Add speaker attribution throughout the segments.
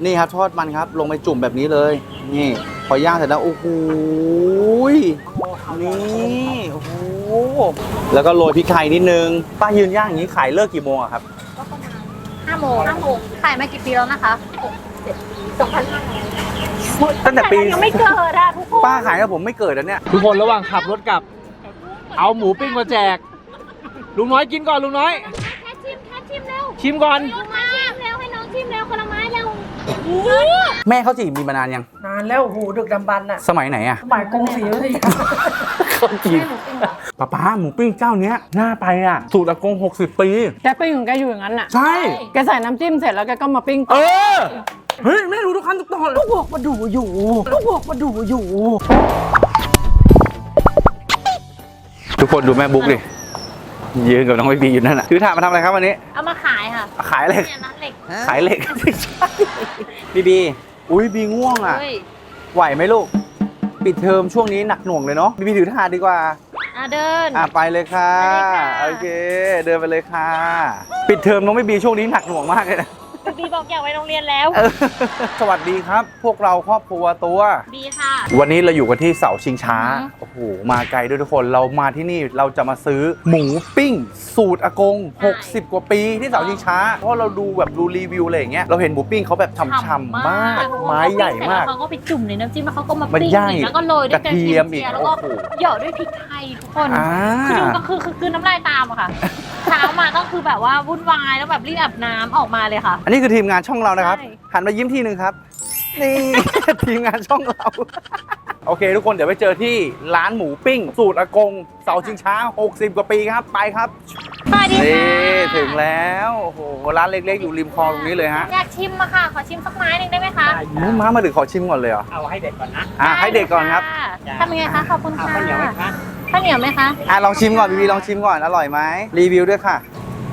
Speaker 1: นี่ครับทอดมันครับลงไปจุ่มแบบนี้เลยนี่พอย่างเสร็จแล้วโอ้โหนี่โอ้โหแล้วก็โรยพริกไทยนิดนึงป้ายืนย่างอย่างนี้ขายเลิกกี่โมงอะครับ
Speaker 2: ก็ประมาณ5 โมงขายมากี่ปีแล้วนะคะ2,500
Speaker 1: ตั้งแต่ปี
Speaker 2: ยังไม่เกิดอะทุกคน
Speaker 1: ป้าขายกับผมไม่เกิดแล้วเนี่ย
Speaker 3: ทุกคนระหว่างขับรถกลับเอาหมูปิ้งมาแจกลุงน้อยกินก่อนลุงน้อย
Speaker 2: แค่ชิมเร็ว
Speaker 3: ชิมก่อน
Speaker 2: ชิมเร็วให้น้องชิมเร็วคนละไม้เร็ว
Speaker 1: แม่เขาจีบมีมานานยัง
Speaker 4: นานแล้วหูดึกดำบรรพ์น่ะ
Speaker 1: สมัยไหนอะ
Speaker 4: สมัยกรุงศรีอยุธยา
Speaker 1: เขาจีบป้าหมูปิ้งเจ้าเนี้ยน่าไปอะสูตรอากง60 ปี
Speaker 5: แกปิ้งของแกอยู่อย่างนั้นน่ะ
Speaker 1: ใช่
Speaker 5: แกใส่น้ำจิ้มเสร็จแล้วแกก็มาปิ้ง
Speaker 1: เฮ้ยแม่รู้ทุกขั้นทุกตอน
Speaker 5: ก็บอกมาดูอยู่
Speaker 1: ทุกคนดูแม่บุ๊กดิยืนกับน้องบีอยู่นั่นแหละถือถาดมาทำอะไรครับวันนี้
Speaker 2: เอามาขายค่ะ
Speaker 1: ขายเหล็กขายเหล็กบีอุ้ยบีง่วงอ่ะไหวไหมลูกปิดเทอมช่วงนี้หนักหน่วงเลยเนาะบีถือถาดดีกว่า
Speaker 2: เดิน
Speaker 1: ไปเลยค่ะโอเคเดินไปเลยค่ะปิดเทอมน้องบีช่วงนี้หนักหน่วงมากเลยนะ
Speaker 2: บีบอกอยากไปโรงเรียนแล้ว
Speaker 1: สวัสดีครับพวกเราครอบครัวตัว
Speaker 2: บีค่ะ
Speaker 1: วันนี้เราอยู่กันที่เสาชิงช้าโอ้โหมาไกลด้วยทุกคนเรามาที่นี่เราจะมาซื้อหมูปิ้งสูตรอากง60 กว่าปีที่เสาชิงช้าเพราะเราดูแบบดูรีวิวอะไรอย่างเงี้ยเราเห็นหมูปิ้งเขาแบบฉ่ำๆมากไม้ใหญ่มาก
Speaker 2: เขาก็ไปจุ่มในน้ำจิ้มแล้วเขาก็มาปิ้งแล้วก็โรยด้วยกระเทียมแล้วก็หยอดด้วยพริกไทยทุกคนคือดูก็คือน้ำลายตามอะค่ะเช้ามาต้องคือแบบว่าวุ่นวายแล้วแบบรีบอาบน้ำออกมาเลยค่ะ
Speaker 1: อันนี้คือทีมงานช่องเรานะครับหันมายิ้มทีนึงครับนี่ ทีมงานช่องเราโอเคทุกคนเดี๋ยวไปเจอที่ร้านหมูปิ้งสูตรอากงเสาชิงช้า60 กว่าปีครับไปครับ
Speaker 2: สวัสดีค่ะ
Speaker 1: ถึงแล้วโอ้โหร้านเล็กๆอยู่ริมคลองตรงนี้เลยฮะ
Speaker 2: อยากชิมอะค่ะขอชิมสักไม้หนึ่งได้ไหมคะ
Speaker 1: มาถึงขอชิมก่อนเลยเหรอ
Speaker 3: เอาให้เด็กก่อนนะ
Speaker 1: ให้เด็กก่อนครับ
Speaker 2: ทำยังไงคะขอบคุณค่ะ
Speaker 3: ข้าวเหนียวไหมคะ
Speaker 2: ข้าวเหนียวไหมคะ
Speaker 1: ลองชิมก่อนบีลองชิมก่อนอร่อยไหมรีวิวด้วยค่ะ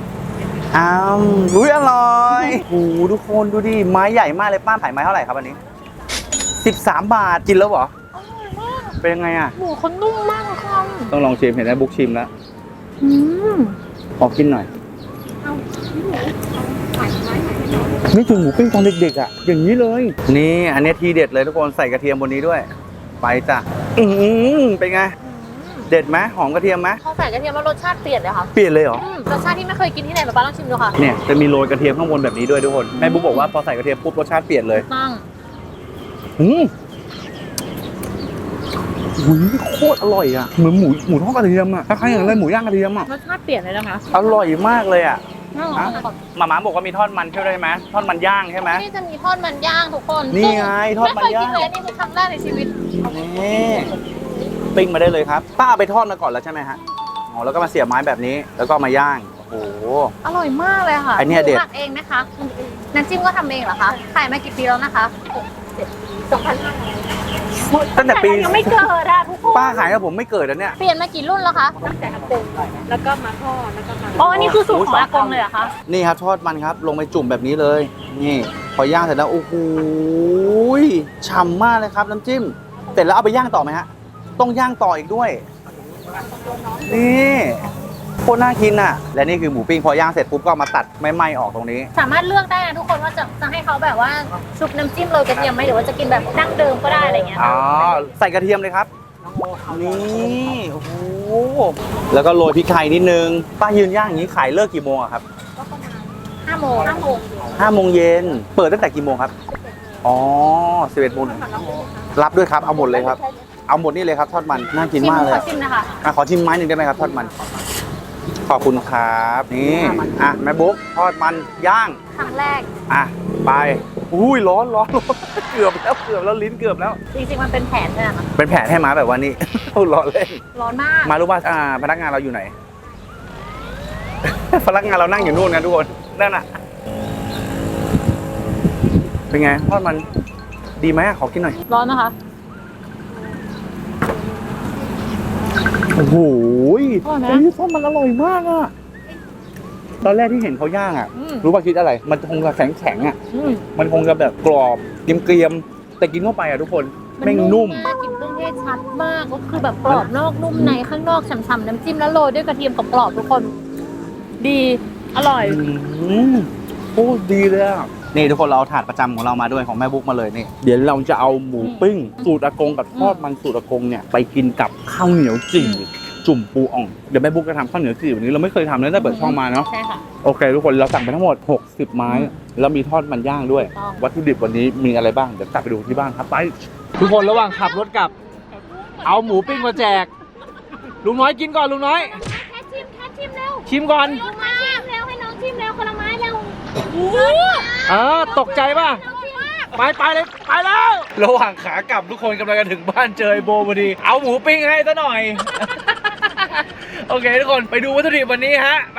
Speaker 1: อุ้ยอร่อยโอ้โหทุกคนดูดิไม้ใหญ่มากเลยป้าขายไม้เท่าไหร่ครับอันนี้13 บาทกินแล้วเหรอ
Speaker 2: อร่อยมาก
Speaker 1: เป็นยังไงอ่ะ
Speaker 2: หมูเขานุ่มมากค่ะ
Speaker 1: ต้องลองชิมเห็นไหมบุ๊กชิมแล้วขอกินหน่อยนี่ถึงหมูปิ้งตอนเด็กๆอ่ะอย่างนี้เลยนี่อันนี้ทีเด็ดเลยทุกคนใส่กระเทียมบนนี้ด้วยไปจ้ะเป็นไงเด็ดไหมหอมกระเทียมไหม
Speaker 2: พอใส่กระเทียมแล้วรสชาติเปลี่ยนเลยค่ะ
Speaker 1: เปลี่ยนเลยเหรอ
Speaker 2: รสชาติที่ไม่เคยกินที่ไหนป้าลองชิมดูค่ะ
Speaker 1: เนี่ยจะมีโรยกระเทียมข้างบนแบบนี้ด้วยทุกคนแม่บุ๊กบอกว่าพอใส่กระเทียมปุ๊บรสชาติเปลี่ยนเลย
Speaker 2: ตั้ง
Speaker 1: โคตรอร่อยอ่ะเหมือนหมูทอดกระเทียมอ่ะคล้ายๆอย่างไรหมูย่างกระเทียมอ่ะ
Speaker 2: รสชาติเปลี่ยนเลยนะคะ
Speaker 1: อร่อยมากเลยอ่ะหม่าบอกว่ามีทอดมันใช่ไหมทอดมันย่างใช่ไหม
Speaker 2: นี่จะมีทอดมันย่างทุกคน
Speaker 1: นี่ไงทอดมันย่าง
Speaker 2: ไม่เคยกินเลยนี่คือครั้งแรกในชีวิต
Speaker 1: นี่ปิ้งมาได้เลยครับป้าไปทอดมาก่อนแล้วใช่ไหมฮะแล้วก็มาเสียบไม้แบบนี้แล้วก็มาย่างโอ้โห
Speaker 2: อร่อยมากเลยค่ะ
Speaker 1: อันนี้เด็ด
Speaker 2: หมักเองไหมคะน้ำจิ้มก็ทำเองเหรอคะขายมากี่ปีแล้วนะคะ2,500
Speaker 1: ตั้งแต่ปี
Speaker 2: ยังไม่เกิดอะทุกคน
Speaker 1: ป้าขายกับผมไม่เกิดแล้วเนี่ย
Speaker 2: เปลี่ยนมากี่รุ่นแล้วคะ
Speaker 4: ตั้งแต่อากงแล้วก็มาทอดแล้วก็มา
Speaker 2: อันนี้คือสูตรของอากงเลยเหรอคะ
Speaker 1: นี่ครับทอดมันครับลงไปจุ่มแบบนี้เลยนี่พอย่างเสร็จแล้วโอ้โหฉ่ำมากเลยครับน้ำจิ้มเสร็จแล้วเอาไปย่างต่อไหมฮะต้องย่างต่ออีกด้วยนี่โคตรน่ากินอ่ะและนี่คือหมูปิ้งพอย่างเสร็จปุ๊บก็มาตัดไม่ไหม้ออกตรงนี้
Speaker 2: สามารถเลือกได้นะทุกคนว่าจะให้เขาแบบว่าชุบน้ำจิ้มโรยกระเทียมไหมหรือว่าจะกินแบบดั้งเดิมก็ได้อะไรเงี้ย
Speaker 1: ใส่กระเทียมเลยครับนี่โอ้โหแล้วก็โรยพริกไทยนิดนึงป้ายืนย่างอย่างนี้ขายเลิกกี่โมงอะครับ
Speaker 2: ก็ประมาณ5 โมง
Speaker 1: 5 โมงเย็นเปิดตั้งแต่กี่โมงครับ11 โมงรับด้วยครับเอาหมดเลยครับเอาหมดนี่เลยครับทอดมันน่ากินมากเลย
Speaker 2: ขอชิมนะคะ
Speaker 1: ขอชิมไม้หนึ่งได้ไหมครับทอดมันขอบคุณครับนี่แม่บุ๊กทอดมันย่าง
Speaker 2: ครั้งแรก
Speaker 1: ไปอุ้ยร้อนเกือบแล้วลิ้นเกือบแล้ว
Speaker 2: จริงๆมันเป็นแผนใช่ไหมคะ
Speaker 1: เป็นแผนให้มาแบบว่านี้ร้อนเล่น
Speaker 2: ร้อนมาก
Speaker 1: มารู้ป่ะพนักงานเราอยู่ไหน พนักงานเรานั่งอยู่นู่นนะทุกคนนั่นน่ะเป็นไงทอดมันดีไหมขอกินหน่อย
Speaker 2: ร้อนนะคะ
Speaker 1: โอ้โหทอดมันอร่อยมากอ่ะตอนแรกที่เห็นเขาย่างอ่ะรู้ป่ะคิดอะไรมันคงจะแข็งอ่ะมันคงจะแบบกรอบเกรียมแต่กินเข้าไปอ่ะทุกคนแม่งนุ่ม
Speaker 2: กลิ่นเครื่องเทศชัดมากก็คือแบบกรอบนอกนุ่มในข้างนอกฉ่ำๆน้ำจิ้มแล้วโรยด้วยกระเทียมกรอบทุกคนดีอร่อย
Speaker 1: โอ้ดีเลยอ่ะนี่ทุกคนเราเอาถาดประจำของเรามาด้วยของแม่บุ๊กมาเลยนี่เดี๋ยวเราจะเอาหมูปิ้งสูตรอากงกับทอดมันสูตรอากงเนี่ยไปกินกับข้าวเหนียวจี่จุ่มปูอ่องเดี๋ยวแม่บุ๊กจะทำข้าวเหนียวจี่วันนี้เราไม่เคยทำเลยตั้งแต่เปิดช่องมาเนาะ
Speaker 2: ใช่ค่ะ
Speaker 1: โอเคทุกคนเราสั่งไปทั้งหมด60ไม้แล้วมีทอดมันย่างด้วย
Speaker 2: ต้อง
Speaker 1: วัตถุดิบวันนี้มีอะไรบ้างเดี๋ยวกลับไปดูที่บ้านครับไป
Speaker 3: ทุกคนระหว่างขับรถกลับ เอาหมูปิ้งมาแจก ลุงน้อยกินก่อนลุงน้อย
Speaker 2: แค่ชิมเร็ว
Speaker 3: ชิมก่อน
Speaker 2: ลงมาเร็วให้น้องชิมเร็วคนละไม้เร็ว
Speaker 3: ตกใจป่ะ ไปเลยไปแล้ว ระหว่างขากลับทุกคนกำลังจะถึงบ้านเจอไอ้โบพอดี เอาหมูปิ้งให้ซะหน่อย โอเคทุกคนไปดูวัตถุดิบวันนี้ฮะ ไป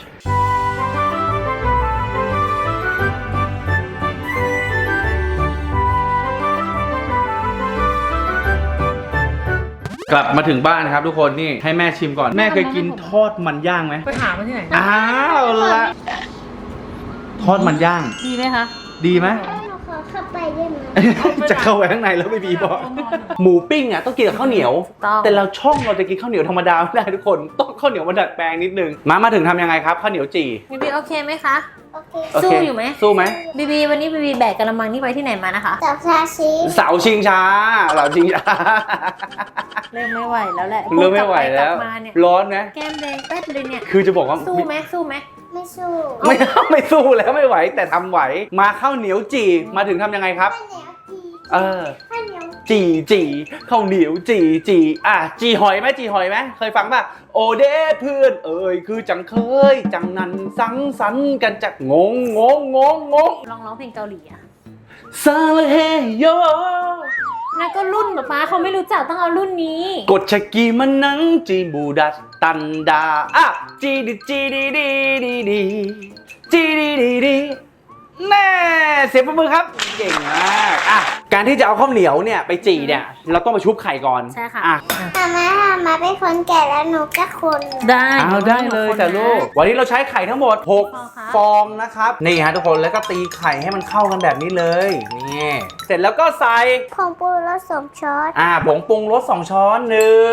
Speaker 1: กลับมาถึงบ้านครับทุกคนนี่ให้แม่ชิมก่อนแม่เคยกินทอดมันย่างไหม
Speaker 4: ไปหามาที่ไหน
Speaker 1: อ้าวละทอดมันย่าง
Speaker 2: ดีไหมคะ
Speaker 1: ดีไหม
Speaker 6: ขอเข้าไปได้ไหม
Speaker 1: จะเข้าไปข้างในแล้วไม่มีบอกหมูปิ้งอ่ะต้องกินกับข้าวเหนียว แต่เราช่องเราจะกินข้าวเหนียวธรรมดาไม่ได้ทุกคนต้องข้าวเหนียวมาดัดแปลงนิดนึงมาถึงทำยังไงครับข้าวเหนียวจี่
Speaker 2: บีบีโอเคไหมคะ
Speaker 6: โอเค
Speaker 1: โเค
Speaker 2: สู้อยู่ไหม
Speaker 1: สู้ไหม
Speaker 2: บีบีวันนี้บีบีแบกกระมังนี่ไปที่ไหนมานะคะ
Speaker 6: จับชาชี
Speaker 1: เสาชิงช้าเสาชิงช้า
Speaker 2: เริ่มไม่ไหวแล้วแหละ
Speaker 1: เริ่มไม่ไหวแล้ว
Speaker 2: กบมาเนี่ย
Speaker 1: ร้อนไหม
Speaker 2: แก้มแดงแป๊ดเลยเนี่ย
Speaker 1: คือจะบอกว่า
Speaker 2: สู้ไหมสู้ไหม
Speaker 6: ไม่สู้
Speaker 1: ไม่สู้แล้วไม่ไหวแต่ทำไหวมาข้าวเหนียวจี่มาถึงทำยังไงครับ
Speaker 6: ข้าวเหนียวจี
Speaker 1: เออ
Speaker 6: ข้าวเหนียว
Speaker 1: จีข้าวเหนียวจีจีหอยไหมจีหอยไหมเคยฟังป่ะโอเด้เพื่อนเอ่ยคือจังเคยจังนั้นสังสรรค์กันจากงง
Speaker 2: ลองร้องเพลงเกาหลีอะ
Speaker 1: ซาเลเฮโย
Speaker 2: นั่นก็รุ่นแบบป้าเขาไม่รู้จักต้องเอารุ่นนี้
Speaker 1: กดชะกีมันนังจีบูดัดตันดาอ่ะจีดีดีแน่เสียงปรบมือครับเก่งมากอ่ะการที่จะเอาข้าวเหนียวเนี่ยไปจีเนี่ยเราต้องมาชุบไข่ก่อน
Speaker 2: ใช่ค่ะ
Speaker 1: อ่ะ
Speaker 6: มาเป็นคนแก่แล้วหนูก็คน
Speaker 2: ได้
Speaker 1: เอาได้เลยจ้ะลูกวันนี้เราใช้ไข่ทั้งหมด
Speaker 2: ค่ะ
Speaker 1: 6 ฟองนะครับนี่ฮะทุกคนแล้วก็ตีไข่ให้มันเข้ากันแบบนี้เลยนี่เสร็จแล้วก็ใส่
Speaker 6: ผงปูรสสมช้อน
Speaker 1: ผงปรุงรส2 ช้อน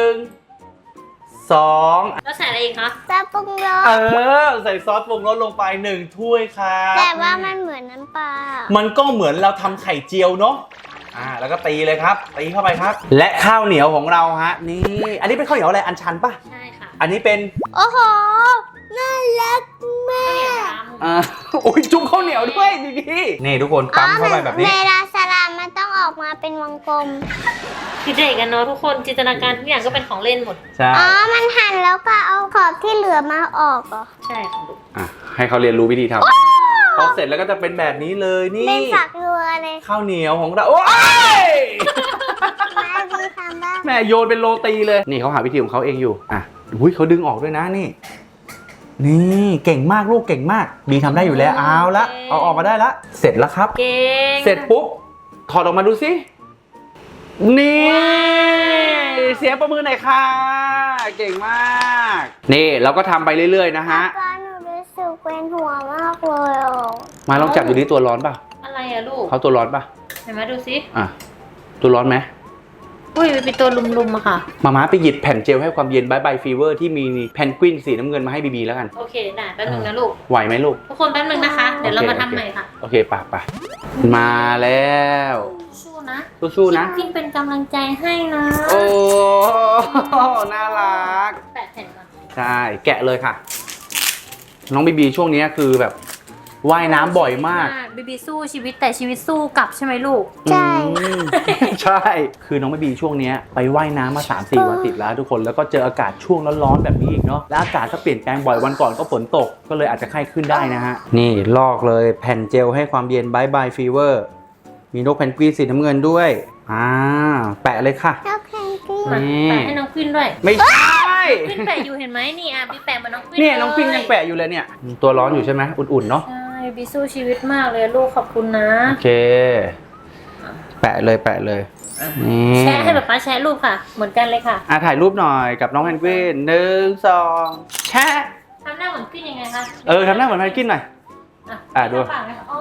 Speaker 1: 1 2
Speaker 2: แล้วใส่อะไรอีกคะ
Speaker 6: ซอสปรุงรส
Speaker 1: ใส่ซอสปรุงรสลงไป1 ถ้วยครับ
Speaker 6: แต่ว่ามันเหมือนน้ำปลา
Speaker 1: มันก็เหมือนเราทำไข่เจียวเนาะแล้วก็ตีเลยครับตีเข้าไปครับ และข้าวเหนียวของเราฮะนี่อันนี้เป็นข้าวเหนียวอะไรอันชันป่ะ
Speaker 2: ใช่ค่ะ
Speaker 1: อันนี้เป็น
Speaker 6: โอ้โห น่ารักมาก
Speaker 1: อุ้ยจุ่มข้าวเหนียวด้วยดีๆนี่ทุกคนปั๊มเข้าไปแบบนี้
Speaker 6: เวลาสลามมันต้องออกมาเป็นวงกลม
Speaker 2: คิดเด็กกันเนาะทุกคนจินตนาการทุกอย่างก็เป็นของเล่นหมด
Speaker 1: ใช่
Speaker 6: อ๋อ มันหั่นแล้วก็เอาขอบที่เหลือมาออกเหรอ
Speaker 2: ใช่ค่ะลูก
Speaker 1: ให้เขาเรียนรู้วิธีทำพอเสร็จแล้วก็จะเป็นแบบนี้เลยนี่
Speaker 6: เป็นฝักรัวเลย
Speaker 1: ข้าวเหนียวของเราโอ้ย
Speaker 6: มาดีทำบ้าง
Speaker 1: แม่โยนเป็นโรตีเลยนี่เขาหาวิธีของเขาเองอยู่อุ้ยเขาดึงออกด้วยนะนี่เก่งมากลูกเก่งมากบีทำได้อยู่แล้วเอาละเอาออกมาได้ละเสร็จแล้วครับ
Speaker 2: เก่ง
Speaker 1: เสร็จปุ๊บถอดออกมาดูสินี่เสียงประมือหน่อยค่ะเก่งมากนี่เราก็ทำไปเรื่อยๆนะฮะ
Speaker 6: ป้าหนูรู้สึกเป็นหัวมากเลยอ่ะ
Speaker 1: มาลองจับดูดิตัวร้อนป่ะ
Speaker 2: อะไรอะลูก
Speaker 1: เขาตัวร้อนป่ะ
Speaker 2: เห็นไหมดูสิ
Speaker 1: ตัวร้อนไหม
Speaker 2: อุ้ยมันเป็นตัวลุมๆอะค่ะ
Speaker 1: มาไปหยิบแผ่นเจลให้ความเย็นบายบายฟีเวอร์ที่มีแพนกวินสีน้ำเงินมาให้บีแล้วกัน
Speaker 2: โอเคได้แป๊บนึงนะลูก
Speaker 1: ไหวไหมลูก
Speaker 2: ทุกคนแป๊บนึงนะคะ เดี๋ยวเรามาทำใหม่ค่ะ
Speaker 1: โอเคป่ะมาแล้ว
Speaker 2: สู้นะ
Speaker 1: สู้ๆนะ
Speaker 2: พิมเป็นกำลังใจให้นะ
Speaker 1: โอ้น่ารัก
Speaker 2: แปะแผ่นก่อน
Speaker 1: ใช่แกะเลยค่ะ น้องบีช่วงนี้คือแบบว่ายน้ำบ่อยมาก
Speaker 2: บีบีสู้ชีวิตแต่ชีวิตสู้กลับใช่ไหมลูก
Speaker 6: ใช่
Speaker 1: ใช่ คือน้องบีช่วงนี้ไปว่ายน้ำมา 3-4 วันติดแล้วทุกคนแล้วก็เจออากาศช่วงร้อนๆแบบนี้อีกเนาะแล้วอากาศก็เปลี่ยนแปลงบ่อยวันก่อนก็ฝนตกก็เลยอาจจะไข้ขึ้นได้นะฮะนี่ลอกเลยแผ่นเจลให้ความเย็นบายบายฟีเวอร์มีนกแพนกวินสีน้ำเงินด้วยแปะเลยค่ะ
Speaker 6: ชอบแพนกวิน
Speaker 1: นี่
Speaker 2: แปะให้น้องควินด้วย
Speaker 1: ไม่ใช่
Speaker 2: ควินแปะอยู่เห็นไหมนี่บีแปะเหมาน้องควิน
Speaker 1: เนี่ยน้องปิงยังแปะอยู่เลยเนี่ยตัวร้อนอยู่ใช่ไหมอุ่นๆเนาะ
Speaker 2: ใช่บีสู้ชีวิตมากเลยลูกขอบคุณนะ
Speaker 1: โอเคแปะเลยนี่
Speaker 2: แชร์ให้แบบป้าแชร์รูปค่ะ เหมือนกันเลยค่ะ
Speaker 1: ถ่ายรูปหน่อยกับน้องแพนกวิน1 2แชะ
Speaker 2: ทำหน้าเหมือนควินยังไงคะ
Speaker 1: ทำหน้าเหมือนแพนกวินหน่อย ดู
Speaker 2: ปากไหมคะโอ้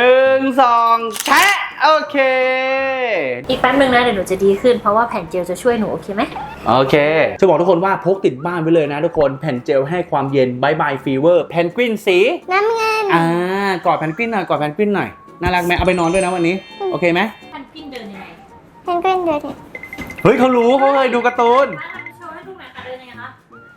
Speaker 1: 1 2แชะโอเค
Speaker 2: อีกแป๊บนึงนะเดี๋ยวหนูจะดีขึ้นเพราะว่าแผ่นเจลจะช่วยหนูโอเคไหม
Speaker 1: โอเคจะบอกทุกคนว่าพกติดบ้านไปเลยนะทุกคนแผ่นเจลให้ความเย็นบายบายฟีเวอร์แพนกวินสี
Speaker 6: น้ำเงิน
Speaker 1: กอดแพนกวินหน่อยกอดแพนกวินหน่อยน่ารักไหมเอาไปนอนด้วยนะวันนี้ โอเคไหม
Speaker 2: ท่านกินเดินยังไง
Speaker 6: เพนกวินเดินเนี่ย
Speaker 1: เฮ้ยเขารู้เขาเคยดูการ์ตูน
Speaker 2: มาทำโชว์ให้ดูหน่อยค่ะเดินยังไงคะ